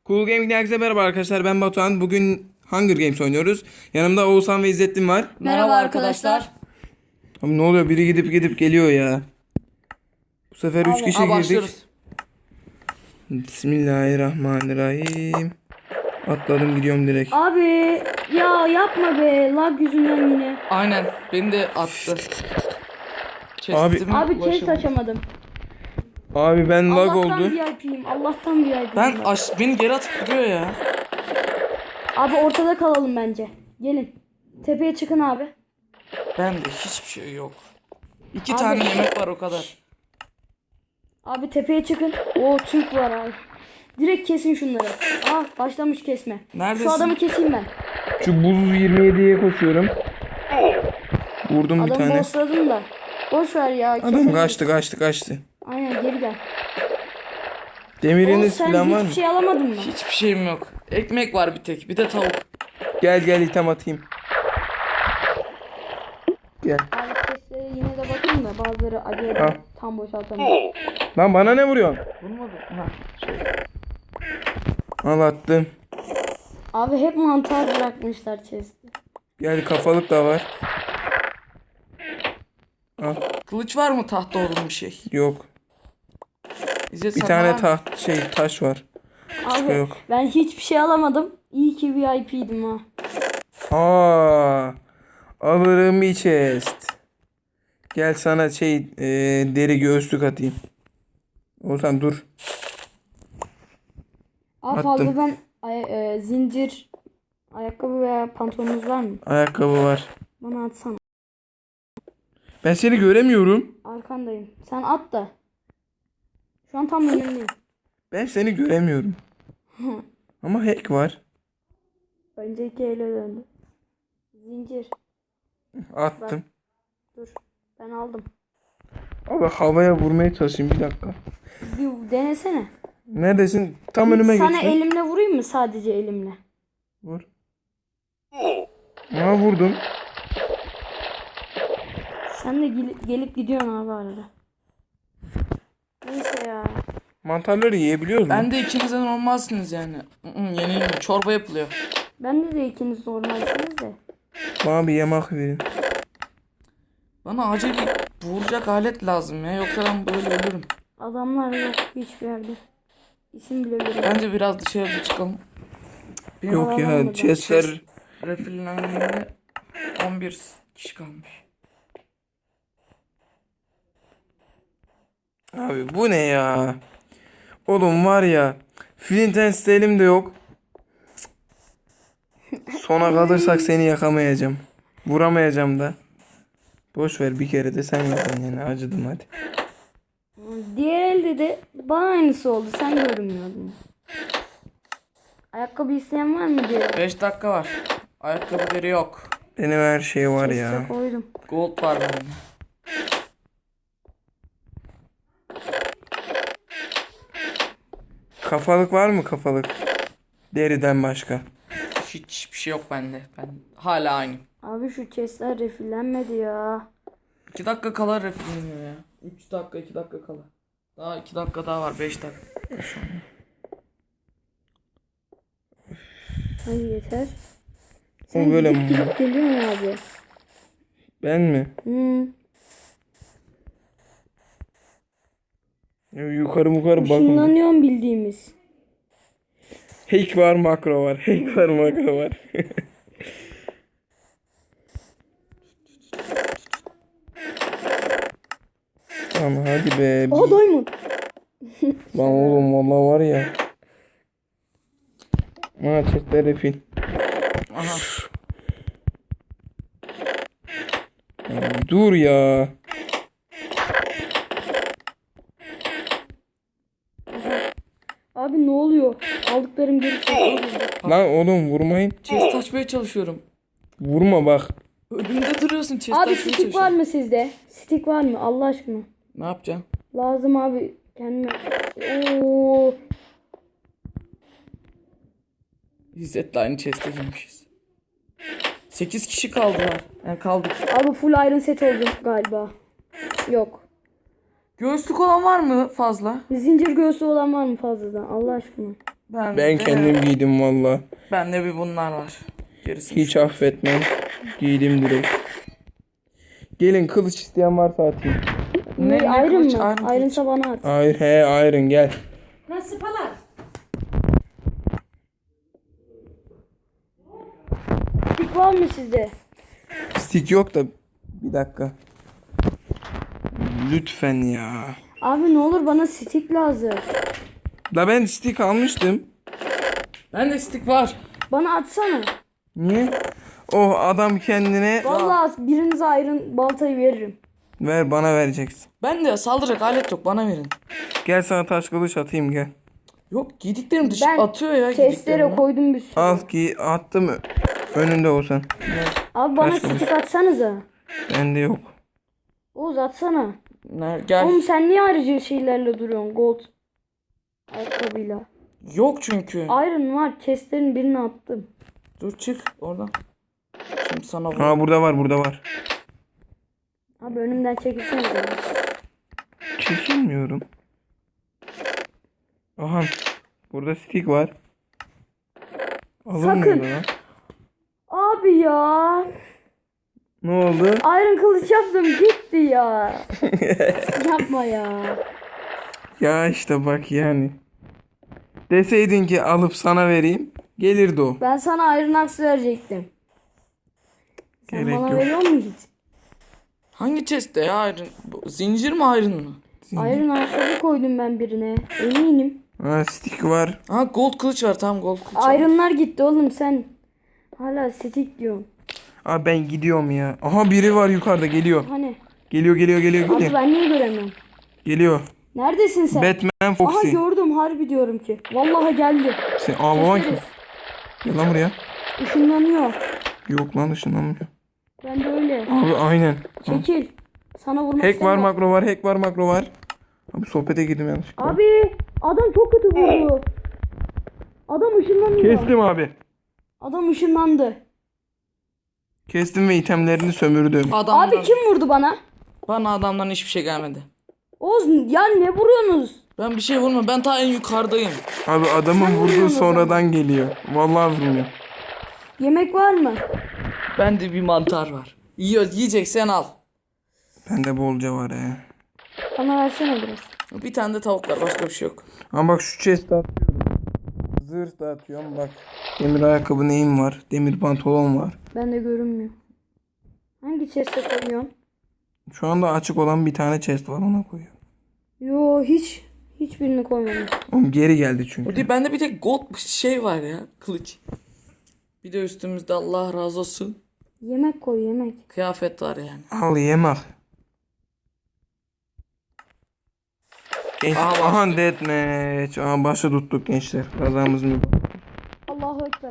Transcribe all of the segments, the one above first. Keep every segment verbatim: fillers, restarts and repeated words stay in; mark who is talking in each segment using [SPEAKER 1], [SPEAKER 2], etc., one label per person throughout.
[SPEAKER 1] Cool Gaming'den herkese merhaba arkadaşlar. Ben Batuhan. Bugün Hunger Games oynuyoruz. Yanımda Oğuzhan ve İzzettin var.
[SPEAKER 2] Merhaba arkadaşlar.
[SPEAKER 1] Abi ne oluyor? Biri gidip gidip geliyor ya. Bu sefer üç
[SPEAKER 2] Abi,
[SPEAKER 1] kişi
[SPEAKER 2] aa,
[SPEAKER 1] girdik.
[SPEAKER 2] başlıyoruz.
[SPEAKER 1] Bismillahirrahmanirrahim. Atladım gidiyorum direkt.
[SPEAKER 3] Abi ya yapma be, lag yüzünden yine.
[SPEAKER 2] Aynen beni de attı.
[SPEAKER 1] Abi-
[SPEAKER 2] Chest'ime
[SPEAKER 3] Abi chest
[SPEAKER 2] ulaşamadım.
[SPEAKER 3] açamadım.
[SPEAKER 1] Abi ben lag
[SPEAKER 3] Allah'tan
[SPEAKER 1] oldu.
[SPEAKER 3] V I P'yim. Allah'tan V I P'yim.
[SPEAKER 2] Ben aş beni geri atıp duruyor ya.
[SPEAKER 3] Abi ortada kalalım bence. Gelin. Tepeye çıkın abi.
[SPEAKER 2] Bende hiçbir şey yok. İki
[SPEAKER 3] Abi-
[SPEAKER 2] tane yemek var o kadar.
[SPEAKER 3] Abi tepeye çıkın. Oo, Türk var abi. Direkt kesin şunları. Aa, başlamış kesme.
[SPEAKER 2] Neredesin?
[SPEAKER 3] Şu adamı keseyim ben.
[SPEAKER 1] Şu buz yirmi yediye koşuyorum. Vurdum bir
[SPEAKER 3] Adamı
[SPEAKER 1] tane.
[SPEAKER 3] bossladım da. Boş ver ya.
[SPEAKER 1] Adam
[SPEAKER 3] kesemeyiz.
[SPEAKER 1] kaçtı kaçtı kaçtı.
[SPEAKER 3] Aynen, geri gel. Oğlum,
[SPEAKER 1] Demiriniz
[SPEAKER 3] sen
[SPEAKER 1] falan var
[SPEAKER 3] hiçbir
[SPEAKER 1] mı?
[SPEAKER 3] şey alamadın mı?
[SPEAKER 2] Hiçbir şeyim yok. Ekmek var bir tek. Bir de tavuk.
[SPEAKER 1] Gel gel item atayım. Gel.
[SPEAKER 3] Abi chestlere yine de bakın da bazıları acayip
[SPEAKER 1] Al.
[SPEAKER 3] tam boşaltamıyor.
[SPEAKER 1] Lan bana ne vuruyorsun?
[SPEAKER 2] Vurmadım. Ha.
[SPEAKER 1] Al attım.
[SPEAKER 3] Abi hep mantar bırakmışlar chest'e.
[SPEAKER 1] Gel kafalık da var. Al.
[SPEAKER 2] Kılıç var mı tahta olan bir şey?
[SPEAKER 1] Yok.
[SPEAKER 2] İzzet
[SPEAKER 1] Bir
[SPEAKER 2] sana
[SPEAKER 1] tane
[SPEAKER 2] var mı?
[SPEAKER 1] taht şey taş var. Başka
[SPEAKER 3] Abi
[SPEAKER 1] yok.
[SPEAKER 3] ben hiçbir şey alamadım. İyi ki V I P'ydim ha.
[SPEAKER 1] Aa, alırım bir chest. Gel sana şey e, deri göğüslük atayım. Olsan dur.
[SPEAKER 3] Abi
[SPEAKER 1] Attım.
[SPEAKER 3] fazla ben ay- e, zincir, ayakkabı veya pantolonunuz var mı?
[SPEAKER 1] Ayakkabı var.
[SPEAKER 3] Bana atsana.
[SPEAKER 1] Ben seni göremiyorum.
[SPEAKER 3] Arkandayım. Sen at da. Şu an tam önümdeyim.
[SPEAKER 1] Ben seni göremiyorum. Ama hack var.
[SPEAKER 3] Önceki ele döndü. Zincir.
[SPEAKER 1] Attım.
[SPEAKER 3] Dur. Ben aldım.
[SPEAKER 1] Abi havaya vurmaya çalışayım bir dakika.
[SPEAKER 3] Bir denesene.
[SPEAKER 1] Neredesin? Tam önüme
[SPEAKER 3] Sana
[SPEAKER 1] geçtin.
[SPEAKER 3] elimle vurayım mı, sadece elimle?
[SPEAKER 1] Vur. Aa vurdum.
[SPEAKER 3] Sen de gel- gelip gidiyorsun abi arada. Neyse ya.
[SPEAKER 1] Mantarları yiyebiliyoruz mu?
[SPEAKER 2] Ben de ikiniz de normalsiniz yani. Hı, yenilmiyor. Çorba yapılıyor.
[SPEAKER 3] Ben de de ikiniz normalsiniz de.
[SPEAKER 1] Bana bir yemek verin.
[SPEAKER 2] Bana acil vuracak alet lazım ya. Yoksa ben böyle ölürüm.
[SPEAKER 3] Adamlar yok hiçbir yerde. İsim bile veriyorum.
[SPEAKER 2] Bence biraz dışarıda çıkalım. Benim
[SPEAKER 1] Yok
[SPEAKER 3] Alan
[SPEAKER 1] ya
[SPEAKER 3] olmadı.
[SPEAKER 1] chestler.
[SPEAKER 2] refillerinde on bir kişi kalmış.
[SPEAKER 1] Abi bu ne ya? Oğlum var ya. Flint and Steel'im de yok. Sona kalırsak seni yakamayacağım. Vuramayacağım da. Boş ver bir kere de sen yapın yani acıdım hadi.
[SPEAKER 3] Diğer elde de bana aynısı oldu. Sen görünmüyordun. Ayakkabı isteyen var mı diye.
[SPEAKER 2] beş dakika var. Ayakkabıları yok.
[SPEAKER 1] Benim her şey var
[SPEAKER 3] Chest'e
[SPEAKER 1] ya.
[SPEAKER 3] koydum.
[SPEAKER 2] Gold var benim.
[SPEAKER 1] Kafalık var mı kafalık? Deriden başka.
[SPEAKER 2] Hiçbir şey yok bende. Ben hala aynı.
[SPEAKER 3] Abi şu chestler refillenmedi ya.
[SPEAKER 2] iki dakika kala refilleniyor ya. üç dakika iki dakika kala. Daha iki dakika daha var. beş dakika.
[SPEAKER 3] Hadi yeter.
[SPEAKER 1] O
[SPEAKER 3] Sen
[SPEAKER 1] böyle
[SPEAKER 3] gidip
[SPEAKER 1] mi?
[SPEAKER 3] gidip geliyorsun abi.
[SPEAKER 1] Ben mi?
[SPEAKER 3] Hmm.
[SPEAKER 1] Ya yukarı yukarı bakın.
[SPEAKER 3] Işınlanıyorsun bildiğimiz.
[SPEAKER 1] Hack var makro var. Hack var makro var. Tamam hadi be.
[SPEAKER 3] Oha, diamond.
[SPEAKER 1] Lan oğlum valla var ya. Ha çiftler refil.
[SPEAKER 2] Aha.
[SPEAKER 1] Ya dur ya.
[SPEAKER 3] Abi ne oluyor? Aldıklarım geri çekildi.
[SPEAKER 1] Lan oğlum vurmayın.
[SPEAKER 2] Chest açmaya çalışıyorum.
[SPEAKER 1] Vurma bak.
[SPEAKER 2] Önümde duruyorsun chest
[SPEAKER 3] Abi
[SPEAKER 2] açmaya
[SPEAKER 3] stick var
[SPEAKER 2] çalışıyorum.
[SPEAKER 3] mı sizde? Stick var mı? Allah aşkına.
[SPEAKER 2] Ne yapacağım?
[SPEAKER 3] Lazım abi. Kendime. Oo.
[SPEAKER 2] İzzet'le aynı chest'e girmişiz. sekiz kişi kaldılar. Yani kaldık.
[SPEAKER 3] Abi full iron set oldum galiba. Yok.
[SPEAKER 2] Göğüslük olan var mı fazla?
[SPEAKER 3] Zincir göğsü olan var mı fazladan? Allah aşkına.
[SPEAKER 2] Ben,
[SPEAKER 1] Ben
[SPEAKER 2] de,
[SPEAKER 1] kendim giydim valla.
[SPEAKER 2] Bende bir bunlar var. Gerisi
[SPEAKER 1] Hiç affetmem. Giydim direkt. Gelin kılıç isteyen varsa atayım.
[SPEAKER 2] Ne-
[SPEAKER 3] Ne,
[SPEAKER 2] ne
[SPEAKER 3] ayrın
[SPEAKER 2] kılıç?
[SPEAKER 3] mı?
[SPEAKER 2] Iron kılıç.
[SPEAKER 3] Ayrınsa bana at.
[SPEAKER 1] Hayır he ayrın gel.
[SPEAKER 4] Nasıl falan?
[SPEAKER 3] Tik var mı sizde?
[SPEAKER 1] Stick yok da bir dakika. Lütfen ya.
[SPEAKER 3] Abi ne olur bana stick lazım.
[SPEAKER 1] La ben stick almıştım.
[SPEAKER 2] Bende stick var.
[SPEAKER 3] Bana atsana.
[SPEAKER 1] Niye? Oh adam kendine
[SPEAKER 3] Vallahi birinize ayrın baltayı veririm.
[SPEAKER 1] ver bana vereceksin.
[SPEAKER 2] Bende saldıracak alet yok, bana verin.
[SPEAKER 1] Gel sana taş kılıç atayım gel.
[SPEAKER 2] Yok, giydiklerim dışı
[SPEAKER 3] Ben
[SPEAKER 2] atıyor ya
[SPEAKER 3] testere
[SPEAKER 2] giydiklerimi.
[SPEAKER 3] koydum bir sürü.
[SPEAKER 1] Al ki attım önünde olsan.
[SPEAKER 3] Abi bana
[SPEAKER 1] Kaç kılıç?
[SPEAKER 3] stick atsanıza.
[SPEAKER 1] Bende yok.
[SPEAKER 3] Oğuz atsana.
[SPEAKER 2] Ner- Gel.
[SPEAKER 3] Oğlum sen niye ayrıca şeylerle duruyorsun? Gold. Ayakkabıyla.
[SPEAKER 2] Yok çünkü.
[SPEAKER 3] Iron var. Chestlerin birini attım.
[SPEAKER 2] Dur çık oradan. Şimdi sana vur.
[SPEAKER 1] Ha burada var burada var.
[SPEAKER 3] Abi önümden çekilsene. beni.
[SPEAKER 1] Çekilmiyorum. Aha. Burada stick var. Alınmıyor
[SPEAKER 3] Sakın.
[SPEAKER 1] lan.
[SPEAKER 3] Abi ya.
[SPEAKER 1] Ne oldu?
[SPEAKER 3] Iron kılıç yaptım gitti ya. Yapma ya.
[SPEAKER 1] Ya işte bak yani. Deseydin ki alıp sana vereyim. Gelirdi o.
[SPEAKER 3] Ben sana Iron Axe verecektim. Sen
[SPEAKER 1] Gerek
[SPEAKER 3] bana
[SPEAKER 1] yok.
[SPEAKER 3] veriyor musun hiç?
[SPEAKER 2] Hangi chest'te ya iron? Bu zincir mi iron mı?
[SPEAKER 3] Iron ayakkabı koydum ben birine. Eminim.
[SPEAKER 1] Ha stick var.
[SPEAKER 2] Ha gold kılıç var, tamam gold kılıç var.
[SPEAKER 3] Iron'lar gitti oğlum sen. Hala stick diyorsun.
[SPEAKER 1] Aa ben gidiyorum ya. Aha biri var yukarıda geliyor.
[SPEAKER 3] Hani?
[SPEAKER 1] Geliyor geliyor geliyor
[SPEAKER 3] Abi
[SPEAKER 1] geliyor.
[SPEAKER 3] ben niye göremiyorum?
[SPEAKER 1] Geliyor.
[SPEAKER 3] Neredesin sen?
[SPEAKER 1] Batman
[SPEAKER 3] Aha
[SPEAKER 1] Foxy.
[SPEAKER 3] gördüm harbi diyorum ki. Vallahi geldi.
[SPEAKER 1] Sen aa baban kim?
[SPEAKER 3] Keseriz.
[SPEAKER 1] Gel lan buraya.
[SPEAKER 3] Işınlanıyor.
[SPEAKER 1] Yok lan ışınlanmıyor.
[SPEAKER 3] Ben de öyle.
[SPEAKER 1] Abi aynen.
[SPEAKER 3] Çekil. Sana vurmak
[SPEAKER 1] Hack var
[SPEAKER 3] istemiyorum.
[SPEAKER 1] makro var hack var makro var. Abi sohbete girdim yanlışlıkla.
[SPEAKER 3] Abi adam çok kötü vurdu. Adam ışınlanıyor.
[SPEAKER 1] Kestim abi.
[SPEAKER 3] Adam ışınlandı.
[SPEAKER 1] Kestim ve itemlerini sömürdüm.
[SPEAKER 2] Adamdan,
[SPEAKER 3] Abi kim vurdu bana?
[SPEAKER 2] Bana adamdan hiçbir şey gelmedi.
[SPEAKER 3] Oğuz ya ne vuruyorsunuz?
[SPEAKER 2] Ben bir şey vurma, ben ta en yukarıdayım.
[SPEAKER 1] Abi adamın
[SPEAKER 3] Sen
[SPEAKER 1] vurduğu
[SPEAKER 3] vuruyorsun o
[SPEAKER 1] sonradan geliyor. Vallahi vurmuyor.
[SPEAKER 3] Yemek var mı?
[SPEAKER 2] Bende bir mantar var. Yiyor, yiyeceksen al.
[SPEAKER 1] Bende bolca var ya.
[SPEAKER 3] Bana versene biraz.
[SPEAKER 2] Bir tane de tavuk var, başka bir şey yok.
[SPEAKER 1] Ama bak şu chest'e atıyorum. Zırh da atıyorum bak. Demir ayakkabı neyim var? Demir pantolon var.
[SPEAKER 3] Ben de görünmüyor. Hangi chest'e koyuyorsun?
[SPEAKER 1] Şu anda açık olan bir tane chest var ona koyuyorum.
[SPEAKER 3] Yo hiç. Hiçbirini koymadım.
[SPEAKER 1] Oğlum geri geldi
[SPEAKER 2] O
[SPEAKER 1] çünkü.
[SPEAKER 2] değil, bende bir tek gold şey var ya, kılıç. Bir de üstümüzde Allah razı olsun
[SPEAKER 3] Yemek koy yemek.
[SPEAKER 2] kıyafet var yani.
[SPEAKER 1] Al yemek. Genç,
[SPEAKER 2] Aha,
[SPEAKER 1] aha deathmatch. Aha başı tuttuk gençler. Kazamız mı?
[SPEAKER 3] Allahu Ekber.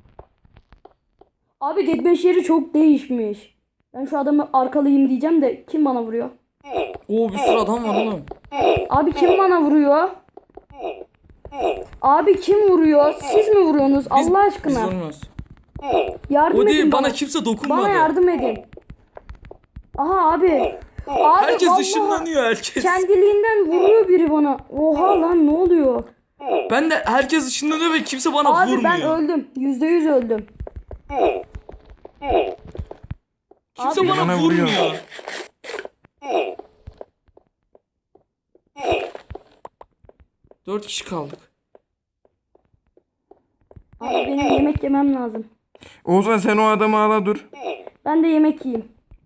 [SPEAKER 3] Abi deathmatch yeri çok değişmiş. Ben şu adamı arkalayayım diyeceğim de kim bana vuruyor?
[SPEAKER 2] Oo, bir sürü adam var oğlum.
[SPEAKER 3] Abi kim bana vuruyor? Abi kim vuruyor? Siz mi vuruyorsunuz?
[SPEAKER 2] Biz,
[SPEAKER 3] Allah
[SPEAKER 2] Biz
[SPEAKER 3] aşkına.
[SPEAKER 2] vurmuyoruz.
[SPEAKER 3] Yardım
[SPEAKER 2] O
[SPEAKER 3] edin
[SPEAKER 2] değil,
[SPEAKER 3] bana.
[SPEAKER 2] bana kimse dokunmadı.
[SPEAKER 3] Bana yardım edin. Aha abi. Abi
[SPEAKER 2] Herkes
[SPEAKER 3] vallahi
[SPEAKER 2] ışınlanıyor, herkes.
[SPEAKER 3] kendiliğinden vuruyor biri bana. Oha lan ne oluyor?
[SPEAKER 2] Ben de herkes ışınlanıyor ve kimse bana
[SPEAKER 3] Abi
[SPEAKER 2] vurmuyor.
[SPEAKER 3] ben öldüm. Yüzde yüz öldüm.
[SPEAKER 2] Kimse
[SPEAKER 3] Abi-
[SPEAKER 2] bana
[SPEAKER 1] Bana vuruyor.
[SPEAKER 2] vurmuyor. Dört kişi kaldık.
[SPEAKER 3] Abi benim yemek yemem lazım.
[SPEAKER 1] Oğuzhan sen o adamı ala dur.
[SPEAKER 3] Ben de yemek yiyeyim.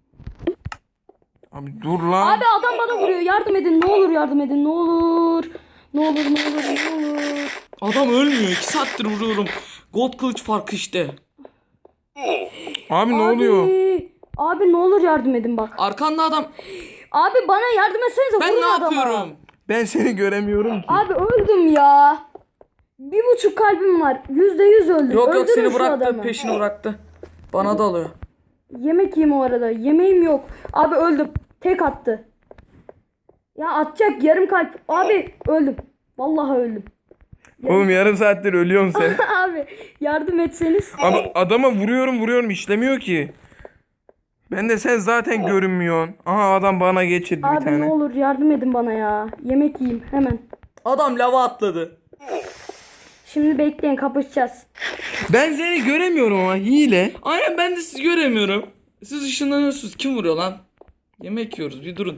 [SPEAKER 1] Abi dur lan.
[SPEAKER 3] Abi adam bana vuruyor. Yardım edin. Ne olur yardım edin. Ne olur. Ne olur ne olur ne olur.
[SPEAKER 2] Adam ölmüyor. İki saattir vuruyorum. Gold kılıç farkı işte.
[SPEAKER 1] Abi ne
[SPEAKER 3] Abi,
[SPEAKER 1] oluyor?
[SPEAKER 3] Abi ne olur yardım edin bak.
[SPEAKER 2] Arkanda adam.
[SPEAKER 3] Abi bana yardım etsenize.
[SPEAKER 2] Ben
[SPEAKER 3] vurun
[SPEAKER 2] ne
[SPEAKER 3] adama.
[SPEAKER 2] yapıyorum?
[SPEAKER 1] Ben seni göremiyorum ki.
[SPEAKER 3] Abi öldüm ya. Bir buçuk kalbim var. Yüzde yüz öldüm.
[SPEAKER 2] Yok yok,
[SPEAKER 3] Öldürün
[SPEAKER 2] seni
[SPEAKER 3] şu
[SPEAKER 2] bıraktı.
[SPEAKER 3] adamı.
[SPEAKER 2] Peşini bıraktı. Bana da alıyor.
[SPEAKER 3] Yemek yiyeyim o arada. Yemeğim yok. Abi öldüm. Tek attı. Ya atacak yarım kalp. Abi öldüm. Vallahi öldüm.
[SPEAKER 1] Oğlum yarım saattir ölüyorsun sen.
[SPEAKER 3] Abi yardım etseniz.
[SPEAKER 1] Abi adama vuruyorum vuruyorum işlemiyor ki. Ben de sen zaten görünmüyorsun. Aha adam bana geçirdi bir
[SPEAKER 3] Abi
[SPEAKER 1] tane.
[SPEAKER 3] ne olur yardım edin bana ya. Yemek yiyeyim hemen.
[SPEAKER 2] Adam lava atladı.
[SPEAKER 3] Şimdi bekleyin, kapışacağız.
[SPEAKER 1] Ben seni göremiyorum ama hile.
[SPEAKER 2] Aynen, ben de sizi göremiyorum. Siz ışınlanıyorsunuz. Kim vuruyor lan? Yemek yiyoruz, bir durun.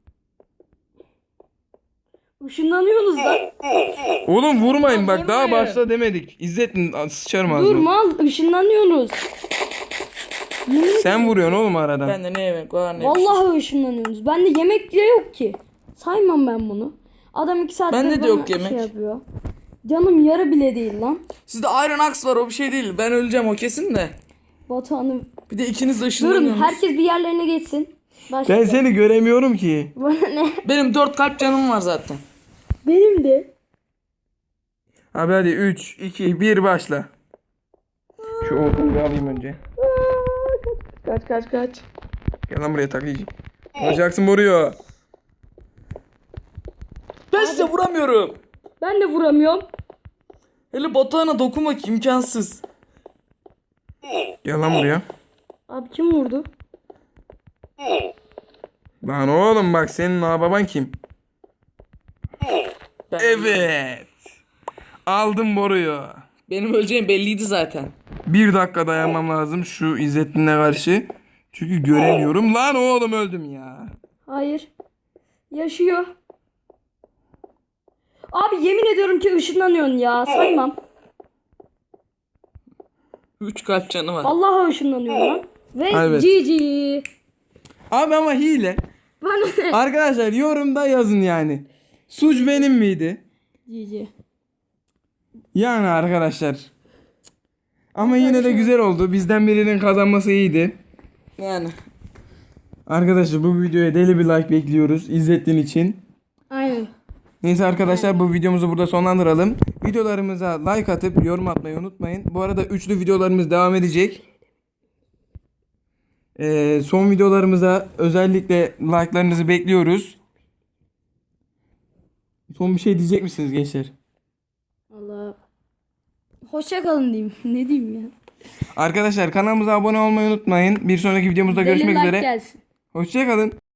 [SPEAKER 3] Işınlanıyorsunuz lan.
[SPEAKER 1] Oğlum vurmayın bak,
[SPEAKER 2] Vurmayın.
[SPEAKER 1] daha başla demedik. İzzettin sıçarım
[SPEAKER 3] Dur
[SPEAKER 1] ağzına.
[SPEAKER 3] mal, ışınlanıyorsunuz. Yemin-
[SPEAKER 1] Sen vuruyorsun oğlum aradan.
[SPEAKER 2] Bende ne yemek var ne
[SPEAKER 3] Vallahi ışınlanıyorsunuz. Bende yemek bile yok ki. Saymam ben bunu. Adam iki saattir
[SPEAKER 2] Bende de
[SPEAKER 3] bana
[SPEAKER 2] yok yemek.
[SPEAKER 3] şey yapıyor. Canım yarı bile değil lan.
[SPEAKER 2] Sizde Iron Axe var, o bir şey değil. Ben öleceğim o kesin de.
[SPEAKER 3] Batuhan'ı.
[SPEAKER 2] Bir de ikiniz de
[SPEAKER 3] Durun,
[SPEAKER 2] ışınlanıyorsunuz.
[SPEAKER 3] herkes bir yerlerine geçsin. Başla.
[SPEAKER 1] Ben seni göremiyorum ki.
[SPEAKER 3] Bana ne?
[SPEAKER 2] Benim dört kalp canım var zaten.
[SPEAKER 3] Benim de.
[SPEAKER 1] Abi hadi üç, iki, bir başla. Şu okunu bir alayım önce.
[SPEAKER 2] Kaç kaç kaç.
[SPEAKER 1] Gel lan buraya taklayacağım. Vuracaksın vuruyor.
[SPEAKER 2] Ben size vuramıyorum.
[SPEAKER 3] Ben de vuramıyorum.
[SPEAKER 2] Hele Batuhan'a dokunmak imkansız.
[SPEAKER 1] Gel lan buraya.
[SPEAKER 3] Abi kim vurdu?
[SPEAKER 1] Lan oğlum bak, senin ağababan kim?
[SPEAKER 2] Ben,
[SPEAKER 1] Evet. Aldım boruyu.
[SPEAKER 2] Benim öleceğim belliydi zaten.
[SPEAKER 1] Bir dakika dayanmam lazım şu İzzettin'le karşı. Çünkü göremiyorum. Lan oğlum öldüm ya.
[SPEAKER 3] Hayır. Yaşıyor. Abi yemin ediyorum ki ışınlanıyorsun ya. Saymam.
[SPEAKER 2] Üç kalp canı var.
[SPEAKER 3] Vallahi ışınlanıyorum lan. Ve
[SPEAKER 1] Evet.
[SPEAKER 3] G G.
[SPEAKER 1] Abi ama hile.
[SPEAKER 3] Bana ne?
[SPEAKER 1] Arkadaşlar yorumda yazın yani. Suç benim miydi?
[SPEAKER 3] G G.
[SPEAKER 1] Yani arkadaşlar. Ama yine de güzel oldu. Bizden birinin kazanması iyiydi.
[SPEAKER 2] Yani.
[SPEAKER 1] Arkadaşlar bu videoya deli bir like bekliyoruz İzzettin için.
[SPEAKER 3] Aynen.
[SPEAKER 1] Neyse arkadaşlar, bu videomuzu burada sonlandıralım. Videolarımıza like atıp yorum atmayı unutmayın. Bu arada üçlü videolarımız devam edecek. Ee, son videolarımıza özellikle like'larınızı bekliyoruz. Son bir şey diyecek misiniz gençler?
[SPEAKER 3] Allah. Hoşça kalın diyeyim. Ne diyeyim ya?
[SPEAKER 1] Arkadaşlar kanalımıza abone olmayı unutmayın. Bir sonraki videomuzda
[SPEAKER 3] Deli
[SPEAKER 1] görüşmek
[SPEAKER 3] like
[SPEAKER 1] üzere.
[SPEAKER 3] gelsin.
[SPEAKER 1] Hoşçakalın.